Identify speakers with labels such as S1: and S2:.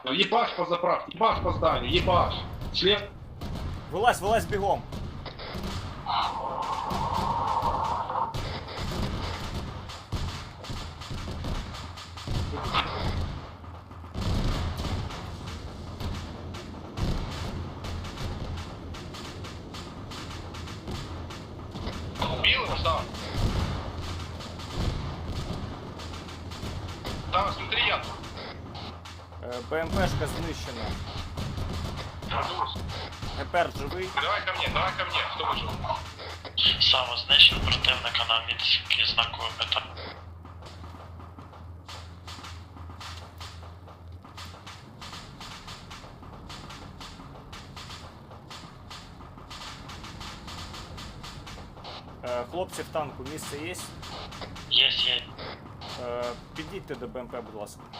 S1: Ебаш по заправке, ебаш по зданию, ебаш. Член.
S2: Вилазь, вилазь бігом.
S1: Убил его сам. Там, смотри, я.
S2: БМПшка знищена. Гепер живий.
S1: Давай ко мне, кто выжил?
S3: Самознищив противника на міцький знаковий метр.
S2: Хлопці в танку, місце є?
S3: Є.
S2: Підійдьте до БМП, будь ласка.